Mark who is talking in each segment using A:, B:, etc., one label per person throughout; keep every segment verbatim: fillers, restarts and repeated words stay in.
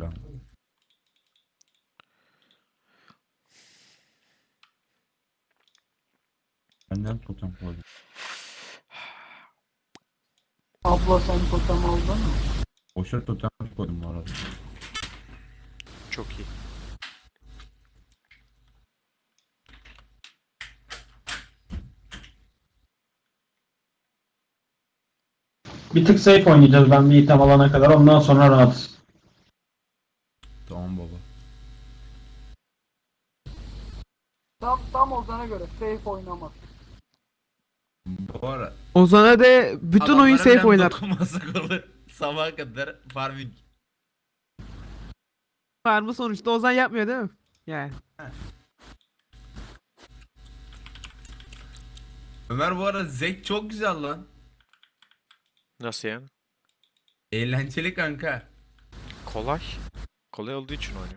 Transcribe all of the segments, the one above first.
A: kanka. Benden totem koydum.
B: Abla sen totem aldın mı?
A: Boşa totem koydum bu arada.
C: Çok iyi.
D: Bir tık safe oynayacağız ben bir item alana kadar. Ondan sonra rahatız.
A: Tamam baba.
B: Tam, tam Ozan'a göre safe oynamak.
A: Bu ara
E: Ozan'a de bütün oyun
A: adamlara
E: safe
A: falan
E: oynar.
A: dokunmasak olur. Sabaha kadar farming.
E: Var mı sonuçta Ozan yapmıyor değil mi? Yani.
A: Ömer bu arada zek çok güzel lan.
C: Nasıl yani?
A: Eğlenceli kanka.
C: Kolay. Kolay olduğu için oynuyor.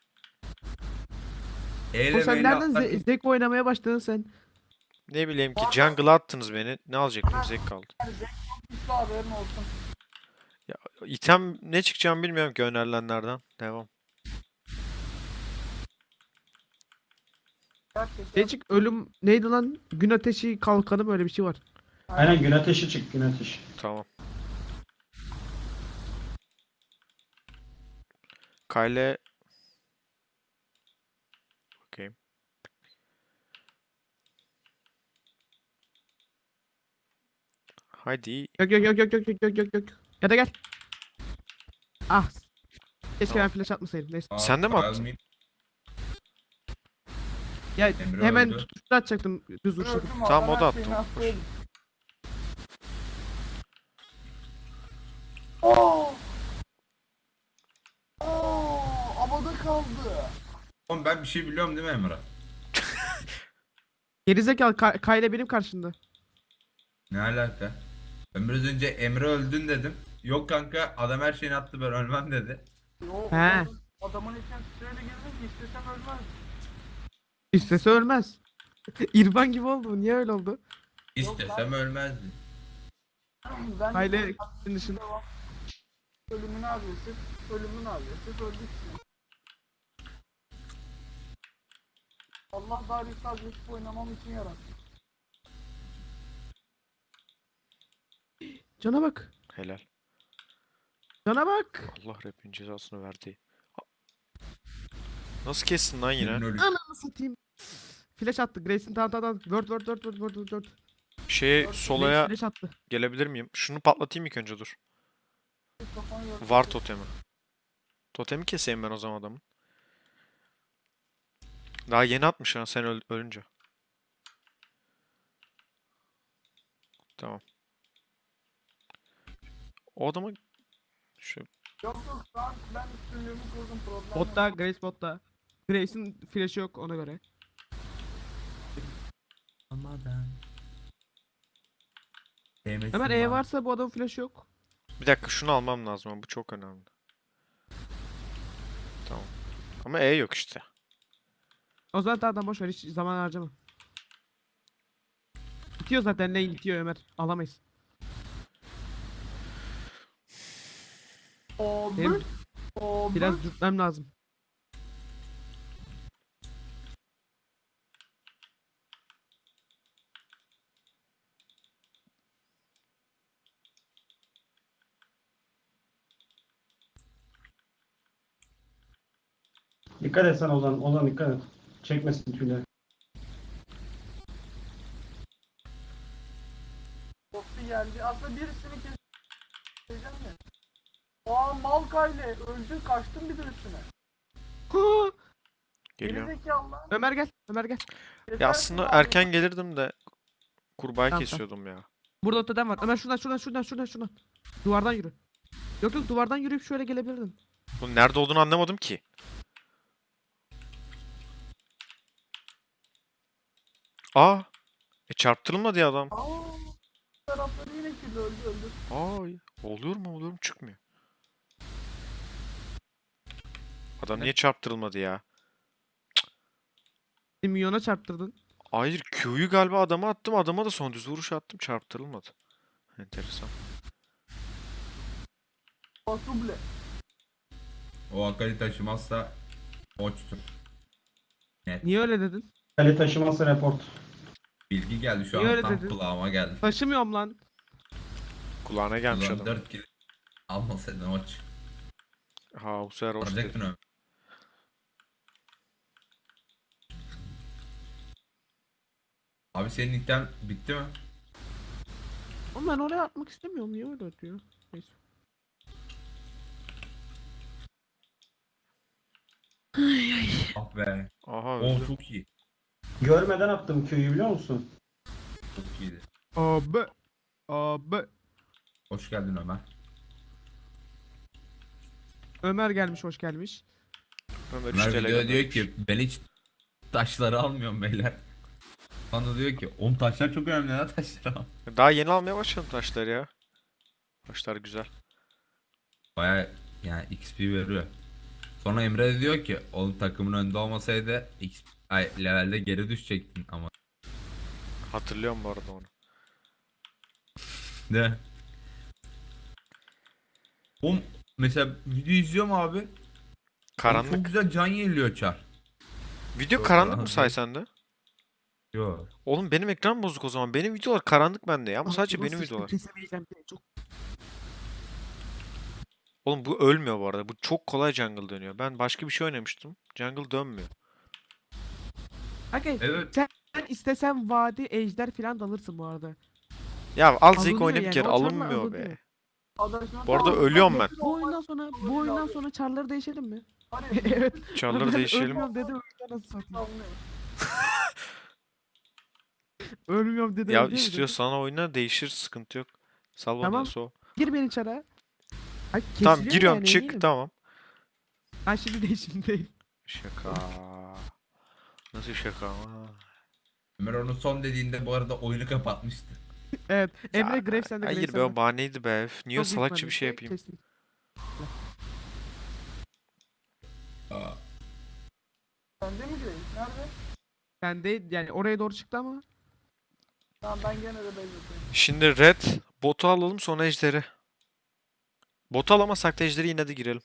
A: Eyle
E: O sen
A: meyle
E: nereden
A: atlarken-
E: ze- zek oynamaya başladın sen?
C: Ne bileyim ki jungle'a attınız beni. Ne alacaktım? Zek kaldı.
B: Üstü haberin olsun.
C: İtem ne çıkacağını bilmiyorum ki önerilenlerden. Devam.
B: Gerçekten.
E: Değişik ölüm neydi lan? Gün ateşi kalkanı böyle bir şey var.
D: Aynen gün ateşi çık gün ateşi.
C: Tamam. Kyle. Bakayım. Haydi.
E: Yok yok yok yok yok yok yok yok yok. Ya da gel. Ah. Keşke ben flash atmasaydım. Neyse.
A: Aa,
C: Sen de mi
A: Kyle
C: attın?
A: mid-
E: Ya
A: Emre
E: hemen
A: öldü.
E: tuşla atacaktım düz vuruş.
B: Gördüm
C: Tamam,
B: adam
C: o da
B: her
C: attı,
B: şeyini
C: o.
B: attı. Oo! Oo! Havada kaldı.
A: Oğlum ben bir şey biliyorum değil mi Emre?
E: Gerizekalı Ka- Kayla benim karşımda.
A: Ne alaka? Ben biraz önce Emre öldün dedim. Yok kanka adam her şeyini attı ben ölmem dedi.
B: Yo,
E: He.
B: adamın, adamın içine sırayla girdim ki istesem ölmez.
E: İstese ölmez. İrfan gibi oldu bu. Niye öyle oldu?
A: İstesem ölmezdi.
B: Ben
E: Kayla
B: de
E: senin dışında.
B: devam. Ölümün agresif, ölümün agresif, öldük şimdi. Allah Darius'u agresif oynamam için yarattı.
E: Cana bak.
C: Helal.
E: Cana bak.
C: Allah rapin cezasını verdi. Nasıl kestin lan yine?
A: Senin ölü-
E: Ananı satayım. Flash attı. Grace'in tamam tamam tamam. Word word word word word word.
C: Şey
E: Grace
C: solaya
E: flash attı.
C: gelebilir miyim? Şunu patlatayım ilk önce dur.
B: Kafanı yordu.
C: Var totemi. Totemi keseyim ben o zaman adamın. Daha yeni atmış ha sen öl- ölünce. Tamam. O adamı şu
B: Yok yok şu an ben üstünlüğümü kurdum problem
E: Botta
B: yok.
E: Grace botta. Grace'in flash'ı yok ona göre.
A: Olmadan. Sevmesin
E: Hemen E
A: bana.
E: varsa bu adamın flash'ı yok.
C: bir dakika şunu almam lazım ama bu çok önemli. Tamam. Ama E yok işte.
E: O zaman tamam boş ver hiç zaman harcama. Bitiyor zaten lane bitiyor Ömer. Alamayız.
B: Abi.
E: Benim
B: Abi.
E: biraz dürtmem lazım.
D: Dikkat et sen Ozan. Ozan dikkat et. Çekmesin tüyleri.
B: Boss'u geldi. Aslında birisini keseceğim de. Aa Malkay'le öldü kaçtım bir de üstüne.
E: Hu!
C: Geliyorum.
B: Gerizekalı lan.
E: Ömer gel. Ömer gel.
C: Ya
B: Kesersin
C: aslında
B: abi.
C: erken gelirdim de kurbağayı
E: Tamam,
C: kesiyordum ya.
E: Burada totem var. Ömer şuradan şuradan şuradan şuradan şuradan. Duvardan yürü. Yok yok duvardan yürüyüp şöyle gelebilirdin.
C: Bunun nerede olduğunu anlamadım ki. Aa! E çarptırılmadı ya adam.
B: Aa, tarafları yine kirli öldü öldü.
C: Ay, oluyor mu oluyor mu çıkmıyor. Adam niye çarptırılmadı ya?
E: Milyona çarptırdın.
C: Hayır Q'yu galiba adama attım. Adama da son düz vuruş attım. Çarptırılmadı. Enteresan.
B: Basuble.
A: O Akali taşımazsa Oç'tur. Net.
E: Niye öyle dedin?
D: Kale taşıması report.
A: Bilgi geldi şu
E: Niye
A: an
E: öyle
A: tam
E: dedin?
A: kulağıma geldi.
E: Taşımıyorum lan.
C: Kulağına gelmiş
A: Ulan
C: adam.
A: dört kill almasaydın Oç.
C: Ha bu sefer hoş
A: Alacaktın
C: değil.
A: Ömer. Abi senin item bitti mi?
E: Ama ben oraya atmak istemiyorum. Niye öyle diyor? Neyse.
A: Ah be.
C: Aha
A: O
C: öldü.
A: çok iyi.
D: Görmeden attım köyü biliyor musun?
A: Çok iyiydi.
E: Abi. Abi.
A: Hoş geldin Ömer.
E: Ömer gelmiş, hoş gelmiş.
C: Ömer
A: Ömer
C: üç T L
A: video diyor
C: göndermiş.
A: ki ben hiç taşları almıyorum beyler. Bana diyor ki oğlum taşlar çok önemli ya taşlar al.
C: Daha yeni almaya başladım taşları ya. Taşlar güzel.
A: Baya yani X P veriyor. Sonra Emre de diyor ki oğlum takımın önünde olmasaydı X P, ay, levelde geri düşecektin ama.
C: Hatırlıyorum bu arada onu.
A: Ne? Oğlum mesela video izliyorum abi. Oğlum
C: Karanlık.
A: çok güzel can yeniliyor Çar.
C: Video
A: Yok,
C: karanlık mı
A: karanlık
C: say
A: değil.
C: sende?
A: Yo.
C: Oğlum benim ekran bozuk o zaman. Benim videolar karanlık bende ya ama sadece
E: Altıma
C: benim
E: sıçtım,
C: videolar.
E: kesemeyeceğim seni, çok.
C: Oğlum bu ölmüyor bu arada. Bu çok kolay jungle dönüyor. Ben başka bir şey oynamıştım. Jungle dönmüyor.
E: Okay.
A: Evet.
E: Sen istesen vadi, ejder falan da alırsın bu arada.
C: Ya az ilk
E: Alınıyor
C: oynayıp
E: yani,
C: geri
E: o çarla
C: alınmıyor be.
E: alınıyor.
B: Adaşına
C: Bu arada
B: tamam,
C: ölüyorum
B: bak,
C: ben.
E: Bu oyundan sonra bu oyundan sonra çarları değişelim mi?
B: Hani
E: Evet.
C: Çarları
E: Ben
C: değişelim.
E: Ölmüyorum dedi, oyundan nasıl satayım?
B: anlıyor.
E: Ölmüyorum dedi.
C: Ya
E: öldü dedi.
C: istiyorsan oyna değişir sıkıntı yok. Sal bana
E: Tamam.
C: Yasuo.
E: Gir beni çara. Ay,
C: Tamam
E: kesiliyor
C: giriyorum
E: yani,
C: çık
E: eminim.
C: tamam.
E: Ha şimdi değil, şimdi değil.
C: Şaka. Nasıl şaka ama?
A: Ömer onu son dediğinde bu arada oyunu kapatmıştı.
E: Evet. Emre
C: Ya,
E: Graves sende, Graves
C: Hayır be
E: sende.
C: o bahaneydi be. Üf, Niye
E: Çok büyük
C: salakça bir
E: ihtimalle.
C: şey yapayım?
E: Kesin.
A: Aa,
B: Sende mi değil? Nerede?
E: Bende yani oraya doğru çıktı ama.
B: Tamam ben gene de bezleteyim.
C: Şimdi red botu alalım sonra ejderi. Botu alamasak da ejderi yine de girelim.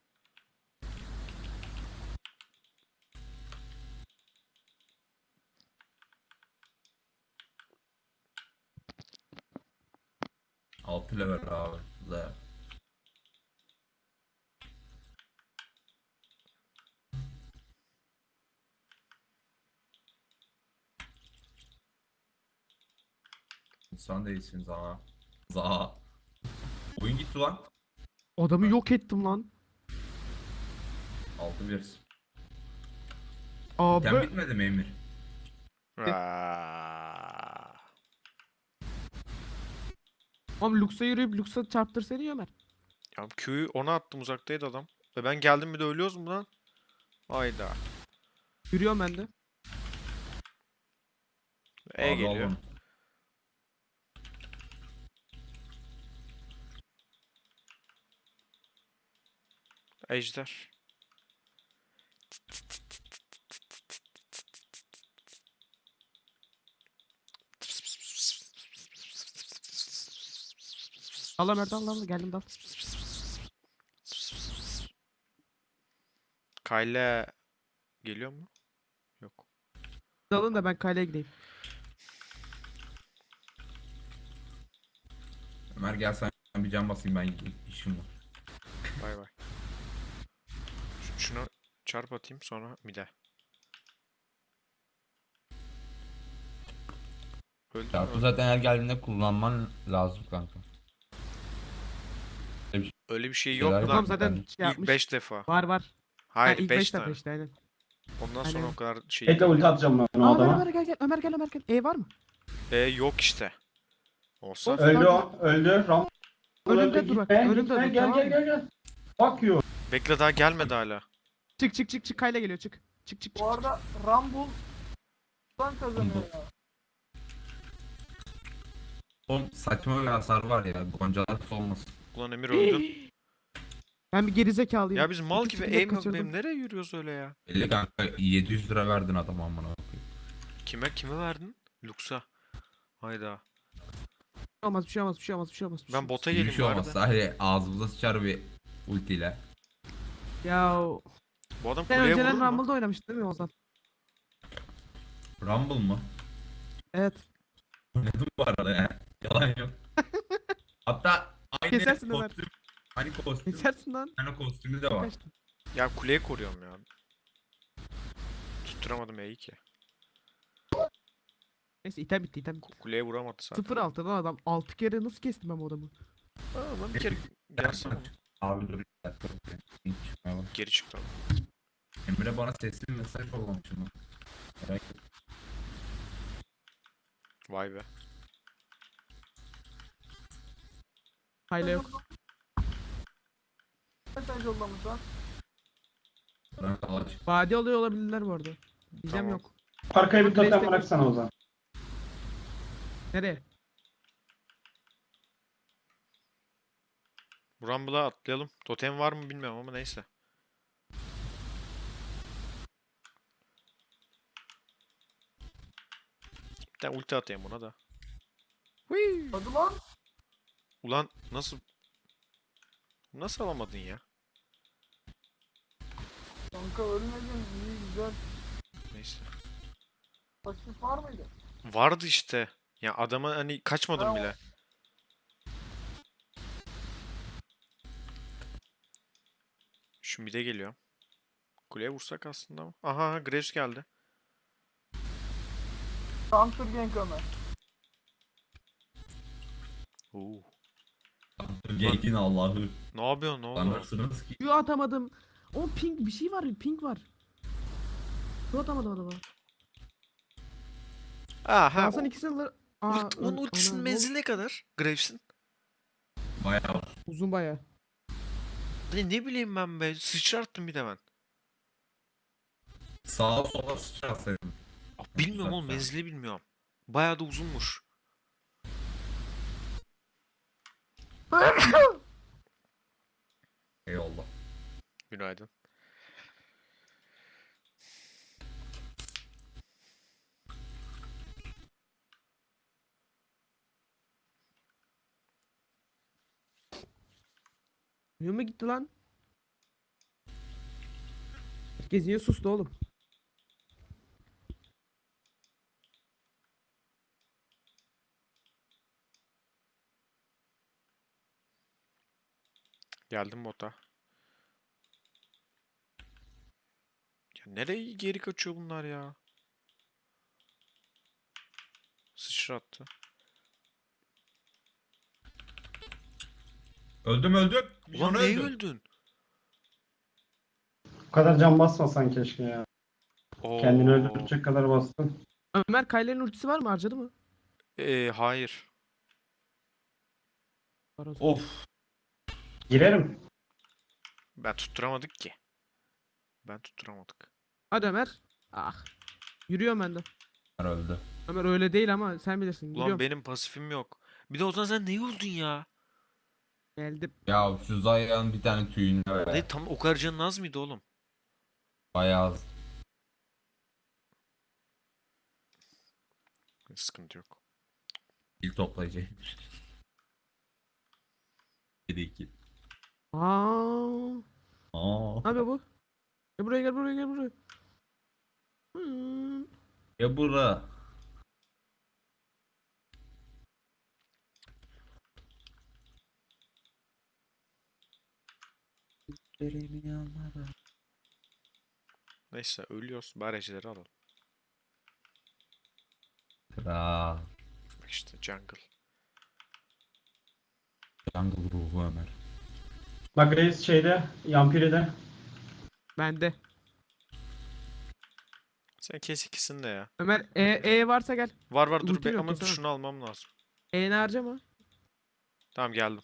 A: altı level abi. Güzel. İnsan değilsin Zaha. Zaha. Oyun gitti lan.
E: Adamı yok ettim lan.
A: altı bir.
E: Abi.
A: Sen bitmedi mi Emir?
C: Aa.
E: Oğlum Lux'a yürüyüp Lux'a çarptırsana Ömer.
C: Ya Q'yu ona attım uzaktaydı adam. Ve ben geldim bir de ölüyoruz mu lan? Hayda.
E: Yürüyorum ben de.
C: E
A: Abi
C: geliyor.
A: oğlum.
C: Ejder.
E: Allah Mert, Allah Allah, geldim dal.
C: Kyle geliyor mu? Yok.
E: Dalın da ben kaleye gideyim.
A: Ömer gel sen bir can basayım ben gideyim. İşim var.
C: Bay bay. Ş- Şuna çarp atayım sonra mide. Öldü mü?
A: Çarpı zaten her geldiğinde kullanman lazım kanka.
C: Öyle bir şey
A: Şeyler
C: yok
A: var.
C: lan.
E: Tamam zaten
A: ben-
E: şey
C: İlk
E: yapmış.
C: beş defa.
E: Var var. Ha,
C: Hayır
E: ilk
C: beş
E: beş
C: tane.
E: defa işte aynen.
C: Ondan sonra
E: Aynen.
C: o kadar şey
D: Bekle
C: değil.
D: ulti atacağım ben o
E: Aa, Ömer,
D: adama.
E: Ömer gel gel. Ömer gel, Ömer gel. E var mı?
C: E yok işte. Olsa
E: Olsun.
D: Öldü o. Öldü. Ram.
E: Önümde
D: Öldü.
E: dur bak,
D: Gitme,
E: önümde
D: gitme.
E: dur,
D: Gel
E: tamam
D: gel
E: mı?
D: gel gel. Fuck you.
C: bekle daha gelmedi hala.
E: Çık çık çık çık, Kayla geliyor, çık. Çık çık çık.
B: Bu arada Rumble buradan kazanıyor ya.
A: Oğlum saçma bir hasar var ya. Goncalar olmasın.
C: Ulan Emir öldün.
E: Ben bir gerizekalıyım.
C: Ya biz mal
E: İki
C: gibi
E: skill'e
C: aim yok
E: kaçırdım.
C: benim. Nereye yürüyoruz öyle ya?
A: elli kanka yedi yüz lira verdin adama amına koyayım.
C: Kime kime verdin? Lux'a. Hayda.
E: Bir şey olmaz, bir şey olmaz, bir şey olmaz, bir şey olmaz. bir şey
C: Ben
E: olmaz.
C: bota
A: İyi bir
C: geleyim
A: şey
C: bari
A: olmaz.
C: de.
A: Sadece ağzımıza sıçar bir ultiyle.
E: Ya
C: Bu adam
E: sen
C: kuleye vurur
E: önceden
C: mu?
E: Rumble'da oynamıştın değil mi Ozan?
A: Rumble mı?
E: Evet.
A: Oynadım bu arada ya. Yalan yok. Hatta aynı
E: Kesersin Ömer.
A: kostüm. Aynı kostüm.
E: Kesersin lan.
A: Aynı kostümü de var.
E: Kaçtın.
C: Ya kuleyi koruyorum ya. Tutturamadım E'yi ki.
E: Neyse item bitti item bitti.
C: Kuleye vuramadı zaten.
E: sıfır altı lan adam. altı kere nasıl kestim ben bu adamı?
C: Aa, lan bir kere gelsene.
A: Abi dur. bir dakika. Hiç çıkmaya bak.
C: Geri çıktı.
A: Emre bana sesli bir mesaj yollamış ama. Merak ettim.
C: Vay be.
E: Hayla yok.
B: Mesaj yollamış lan.
A: Bırak alaç.
E: Vadi oluyor olabilirler bu arada. Diyeceğim
C: Tamam.
E: yok.
D: Arkaya bir totem
E: Destek-
D: bıraksana o zaman.
E: Nereye?
C: Bu Rumble'a atlayalım. Totem var mı bilmiyorum ama neyse. Bir tane ulti atayım buna da. Hui.
B: Hadi lan.
C: Ulan nasıl... Nasıl alamadın ya?
B: Kanka ölmedin. İyi güzel.
C: Neyse.
B: Pasif var mıydı?
C: Vardı işte. Ya adama hani kaçmadım
B: Ha,
C: bile. Şu mid'e geliyor. Kuleye vursak aslında ama. Aha aha, Graves geldi.
B: Counter gank Ömer.
C: Oo.
A: Gate'in Allah'ı.
C: Ne yapıyorsun ne oldu?
A: Sanırsınız ki.
E: Şu atamadım. O pink bir şey var. Pink var. Şu atamadım adama.
C: Aha.
E: Hasan ikisini alır. Aa,
C: Ult, onun
E: ön-
C: ultisinin
E: ana,
C: menzili ne kadar? Graves'in.
A: Bayağı.
E: Uzun baya.
C: Ne, ne bileyim ben be. Sıçrattım bir de ben.
A: Sağa sola sıçratsaydım.
C: Aa, bilmiyorum oğlum
A: Zaten.
C: menzili bilmiyorum. Bayağı da uzunmuş.
A: Eyvallah.
C: Günaydın.
E: Yürü gitti lan? Herkes niye sustu oğlum?
C: Geldim bota. Ya nereye geri kaçıyor bunlar ya? Sıçrattı.
A: Öldüm öldüm.
C: Ulan
A: Milyonu
C: neye
A: öldüm.
C: öldün?
D: Bu kadar can basmasan keşke ya. Kendini
C: Oo.
D: öldürecek kadar bastın.
E: Ömer Kayler'in ultisi var mı? Harcadı mı?
C: Ee, hayır.
E: Var o zaman.
A: Of.
D: Girerim.
C: Ben tutturamadık ki. Ben tutturamadık.
E: Hadi Ömer. Ah. Yürüyorum ben de.
A: Öldü.
E: Ömer öyle değil ama sen bilirsin.
C: Ulan
E: Yürüyorum.
C: benim pasifim yok. Bir de o zaman sen neye öldün ya?
E: Geldim.
A: Ya şu Zayan bir tane tüyünü ver.
C: Ne tam o kadar canın az mıydı oğlum?
A: Bayağı az.
C: Sıkıntı yok.
A: İl toplayıcıymış. yedi iki.
E: Aa.
A: Aa.
E: Ne yapıyor bu? Gel buraya gel buraya gel buraya. Hmm.
A: Ya bura.
C: Neyse ölüyoruz. Bari ejderleri alalım.
A: Kral.
C: Bak işte jungle.
A: Jungle ruhu Ömer.
D: Bak Reis şeyde, Yampiri'de.
E: Bende.
C: Sen kes ikisini de ya.
E: Ömer E, e varsa gel.
C: Var var dur
E: Ultim
C: be
E: yok,
C: ama
E: kesemem.
C: şunu almam lazım.
E: E'ni harcama.
C: Tamam geldim.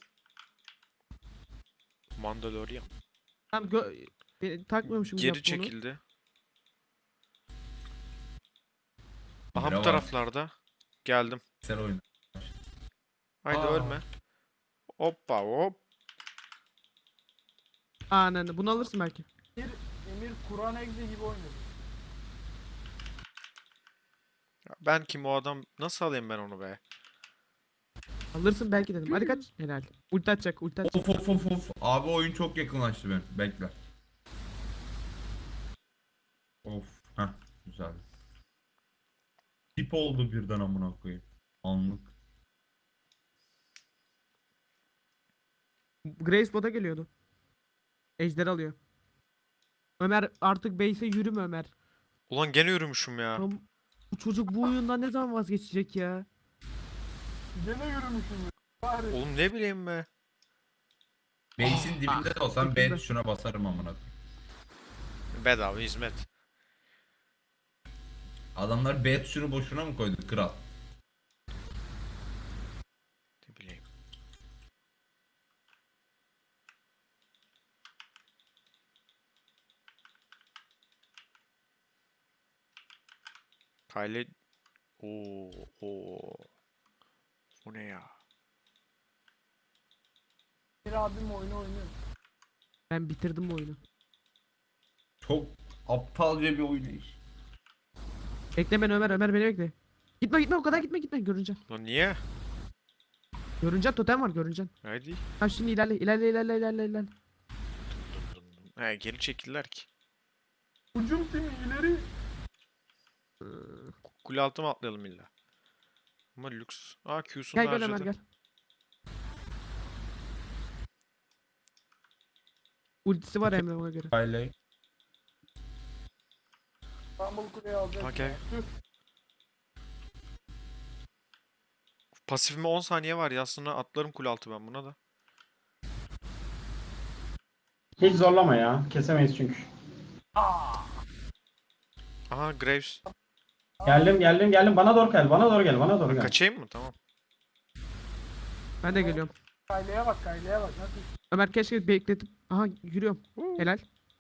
C: Mandalorian.
E: Tamam gö Beni takmıyormuşum
C: Geri
E: yaptığını.
C: çekildi. Aha
A: Emre
C: bu
A: var.
C: taraflarda. Geldim.
A: Sen oyna.
C: Haydi
A: Aa.
C: ölme. Hoppa hop.
E: Ananı bunu alırsın belki.
B: Bir Emir Kur'an egzi gibi oynadı.
C: Ya ben kim o adam? Nasıl alayım ben onu be?
E: Alırsın belki dedim. Hadi kaç. Helal. Ulti atacak ulti atacak.
A: Of of of of. Abi oyun çok yakınlaştı benim. Bekle. Heh, güzel. Tip oldu birden amına koyayım. Anlık.
E: Grace bota geliyordu. Ejder alıyor. Ömer artık base'e yürüme Ömer.
C: Ulan gene yürümüşüm ya.
E: Tam bu çocuk bu oyundan ne zaman vazgeçecek ya?
B: Gene yürümüşüm. Bari.
C: Oğlum ne bileyim be.
A: Base'in dibinde de olsam B
E: sekiz de.
A: tuşuna basarım amına koyayım.
C: Bedava hizmet.
A: Adamlar B tuşunu boşuna mı koydu kral?
C: Ne bileyim. Kyle... Oo, oo. Bu ne ya?
B: Bir abim oyunu oynuyor.
E: Ben bitirdim bu oyunu.
A: Çok aptalca bir oynayış.
E: Bekle beni Ömer, Ömer beni bekle. Gitme gitme o kadar gitme gitme görünce.
C: Lan niye?
E: Görünce totem var görünce.
C: Hadi.
E: Tamam şimdi ilerle ilerle ilerle ilerle ilerle.
C: He geri çekildiler ki.
B: Hücum timi ileri.
C: Kule altı mı atlayalım illa? Ama lüks. Aa Q'sunu
E: Gel gel
C: harcadı.
E: Ömer gel. Ultisi var Emre ona göre.
A: Kyle.
B: İstanbul Kule'yi alacak.
C: Ha, gel.
B: Tüh.
C: Pasifime on saniye var ya aslında atlarım kule altı ben buna da.
D: Hiç zorlama ya. Kesemeyiz çünkü.
C: Aha Graves.
D: Geldim geldim geldim. Bana doğru gel. Bana doğru gel. Bana doğru gel.
C: Kaçayım mı? Tamam.
E: Ben de geliyorum.
B: Kayle'ye bak Kayle'ye bak. Nasıl?
E: Ömer keşke bekletip. Aha yürüyorum. Helal.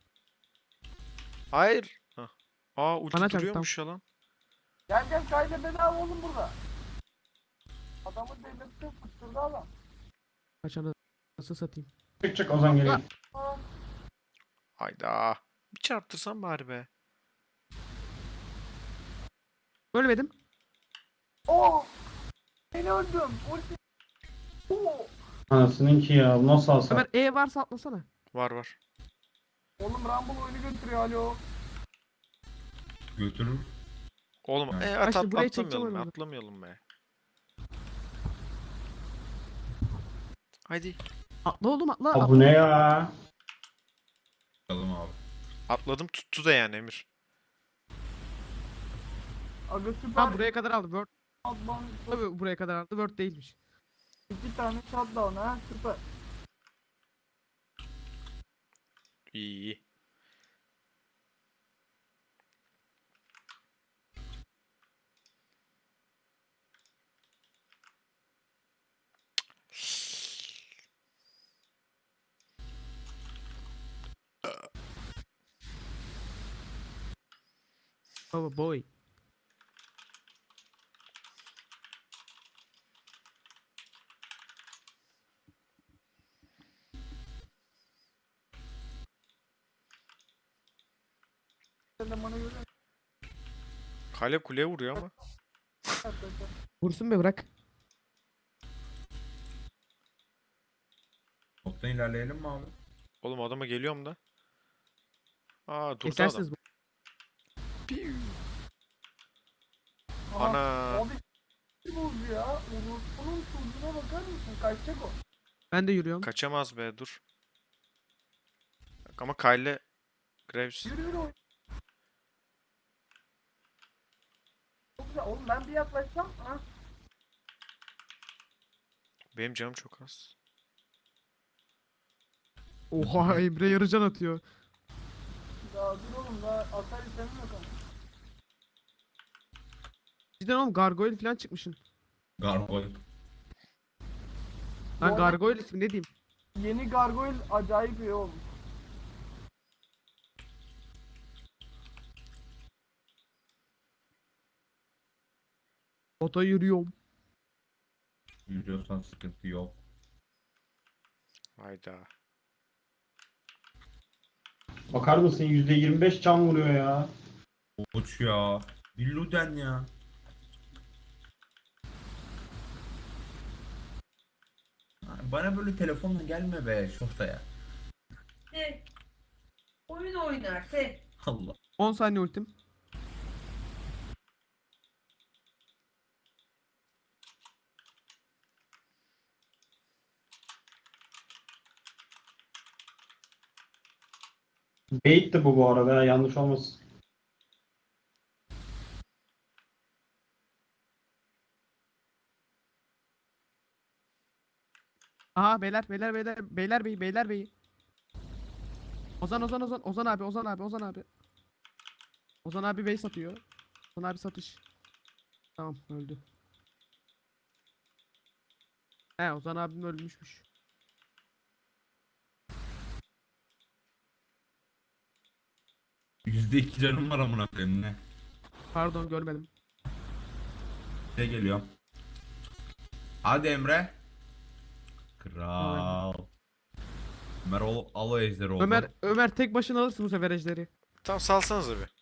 C: Hayır. Hah. Aa ulti
E: Bana çarptı,
C: duruyormuş ya lan.
B: Gel gel Kayle bedava oğlum burada. Adamı delirtti kusturdu adam.
E: Kaçanı nasıl satayım?
D: Çık çık Ozan geliyor.
B: Aa,
C: Hayda. Bir çarptırsam bari be.
E: Ölmedim.
B: Oo! Beni öldüm. Ulti. Oo!
D: Anasının ki ya. Nasıl alsa.
E: Ömer E varsa atlasana.
C: Var var.
B: Oğlum Rumble oyunu götürüyor alo.
A: Götürür.
C: Oğlum
A: Evet.
C: e,
E: Bak
C: at,
E: şimdi
C: at,
E: buraya çekeceğim
C: atlamayalım be,
E: oyunu.
C: atlamayalım be. Haydi.
E: Atla oğlum atla.
D: Aa,
E: atla.
D: bu ne ya?
A: Bakalım abi.
C: Atladım tuttu da yani Emir.
B: Aga süper.
E: Tamam buraya kadar aldı. Word.
B: Advan-
E: Tabii buraya kadar aldı. Word değilmiş.
B: İki tane shutdown ha süper.
C: İyi iyi.
E: Baba boy.
B: Elemanı görüyor.
C: Kale kuleye vuruyor ama.
E: Vursun be bırak.
A: Toptan ilerleyelim mi abi?
C: Oğlum adama geliyorum da. Aa durdu adam.
E: Kesersiniz bu.
C: Piu.
B: Aha,
C: Ana.
B: Abi kim oldu ya? Onun çocuğuna bakar mısın? Kaçacak o.
E: Ben de yürüyorum.
C: Kaçamaz be dur. Bak ama Kyle Graves.
B: Yürü yürü oyun. Çok güzel. Oğlum ben bir yaklaşsam. Ha?
C: Benim canım çok az.
E: Oha Emre yarıcan atıyor.
B: Daha dur oğlum daha atar istemem yok ama.
E: Cidden oğlum gargoyle falan çıkmışsın.
A: Gargoyle.
E: Lan
B: Bu arada-
E: gargoyle ismi ne diyeyim?
B: Yeni Gargoyle acayip iyi olmuş.
E: Bota yürüyorum.
A: Yürüyorsan sıkıntı yok.
C: Hayda.
D: Bakar mısın? yüzde yirmi beş can vuruyor ya.
A: Uç ya. Billuden ya. Bana böyle telefonla gelme be şortaya.
F: De. Oyun oynar de.
A: Allah.
E: on saniye ultim.
D: Bait'ti bu bu arada ya, yanlış olmasın.
E: Aha beyler beyler beyler beyler bey beyler bey. Ozan Ozan Ozan Ozan abi Ozan abi Ozan abi. Ozan abi bey satıyor. Ozan abi satış. Tamam öldü. He Ozan abim ölmüşmüş.
A: yüzde iki canım var amına koyayım ne?
E: Pardon görmedim.
A: Ne geliyor? Hadi Emre. Kral. Ömer ol, al o ejderi oldu.
E: Ömer Ömer tek başına alırsın bu sefer ejderi.
C: Tamam salsanıza bir.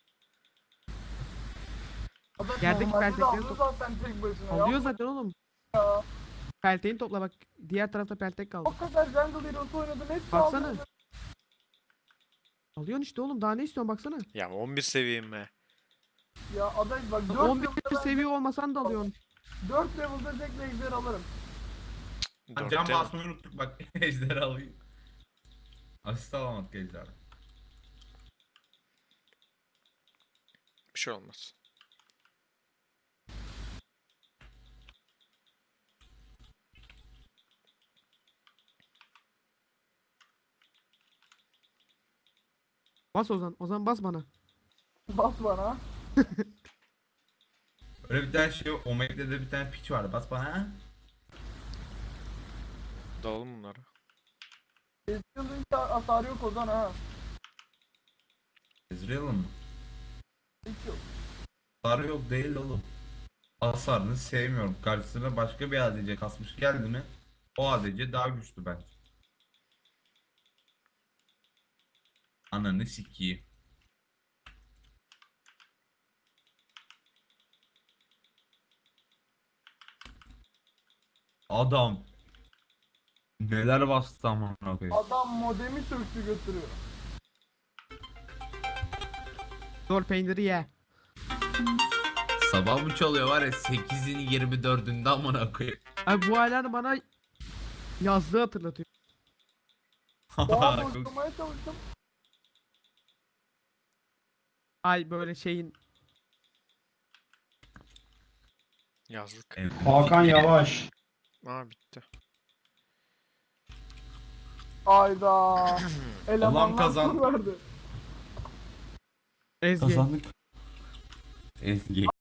B: Adam
E: Yerdeki
B: normalde de
E: peltekleri
B: alıyor
E: top-
B: zaten tek başına ya.
E: Alıyor zaten oğlum.
B: Ya.
E: Pelteğini topla bak. Diğer tarafta peltek kaldı.
B: O kadar jungle hero'su oynadım hepsi
E: Baksana.
B: aldı.
E: Alıyorsun işte oğlum daha ne istiyorsun baksana.
C: Ya on bir seviyeyim be.
B: Ya aday bak dört
E: on bir
B: level'da
E: seviye olmasan da alıyorsun.
B: dört level'da tek ejder alırım.
A: Ha,
C: Dört
A: can
C: değil mi?
A: basmayı unuttuk bak. Ejderi alayım. Asist alamadık ejderi.
C: Bir şey olmaz.
E: Bas Ozan. Ozan bas bana.
B: Bas bana.
A: Öyle bir tane şey, Omega'da de bir tane piç vardı. Bas bana. Ha?
C: Dalalım bunları.
B: Ezreal'ın hiç hasarı yok Ozan ha.
A: Ezreal'ın mı?
B: Hiç yok.
A: Hasarı yok değil oğlum. Hasarını sevmiyorum. Karşısına başka bir A D C kasmış geldi mi? O A D C daha güçlü bence. Ananı sikeyim. Adam. Neler bastı amına koyayım.
B: Adam modemi söktü götürüyor.
E: Zor peyniri ye.
A: Sabah mı çalıyor var ya sekizin yirmi dördünde amına koyayım.
E: Abi bu hala bana yazdığı hatırlatıyor.
B: Boğa
A: Çok-
B: boşlamaya çalıştım.
E: Ay böyle şeyin.
C: Yazlık.
D: Hakan Yavaş.
C: Aa bitti.
B: Ayda. Elemanlar
A: kazan-
B: tur verdi.
E: Ezgi.
A: Kazandık. Ezgi.